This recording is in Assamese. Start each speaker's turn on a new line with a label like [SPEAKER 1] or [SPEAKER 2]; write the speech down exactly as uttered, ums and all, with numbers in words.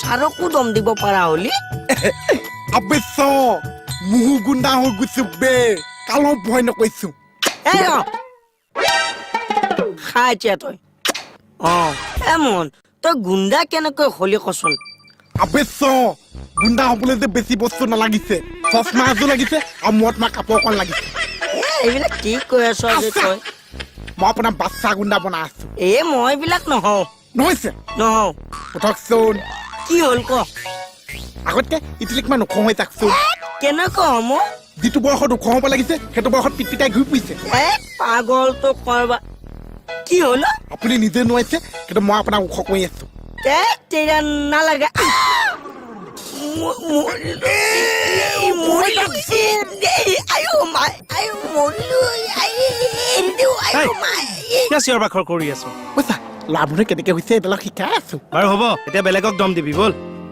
[SPEAKER 1] ছাৰকো দম দিব পাৰা হলি
[SPEAKER 2] অৱশ্য মুহু গুণ্ডা হৈ গৈছো বে কালো ভয় নকৈছো
[SPEAKER 1] এ ৰ খাই এতিয়া তই অ এমন তই গুণ্ডা কেনেকৈ হলি কচোন
[SPEAKER 2] অৱশ্য গুণ্ডা হ'বলৈ যে বেছি বস্তু নালাগিছে চশমা এযোৰ লাগিছে আৰু মূৰত মাৰ কাপোৰ অকণ লাগিছে
[SPEAKER 1] এ এইবিলাক কি কৈ আছ যে তই
[SPEAKER 2] মই আপোনাৰ বাচ্চা গুণ্ডা বনাই আছো
[SPEAKER 1] এ মই এইবিলাক নহওঁ
[SPEAKER 2] নহৈছে
[SPEAKER 1] নহওঁ
[SPEAKER 2] উঠকচোন
[SPEAKER 1] কি হ'ল ক
[SPEAKER 2] আগতকে ইটিলিকমান ওখ হৈ যাকচোন
[SPEAKER 1] কেনেকৈ হম
[SPEAKER 2] যিটো বয়সত ওখ হ'ব লাগিছে সেইটো বয়সত পিটপিটাই ঘূৰি ফুৰিছে
[SPEAKER 1] এ পাগলটো কৰবা কি হ'ল
[SPEAKER 2] আপুনি নিজে নোৱাৰিছে কিন্তু মই আপোনাক ওখ কৰি আছো
[SPEAKER 1] তে তেৰা নালাগে
[SPEAKER 3] চিঞৰ বাখৰ কৰি আছো
[SPEAKER 2] বুজিছা ল'ৰাবোৰে কেনেকে হৈছে এইবিলাক শিকাই আছো
[SPEAKER 3] বাৰু হ'ব এতিয়া বেলেগক দম দিবি বল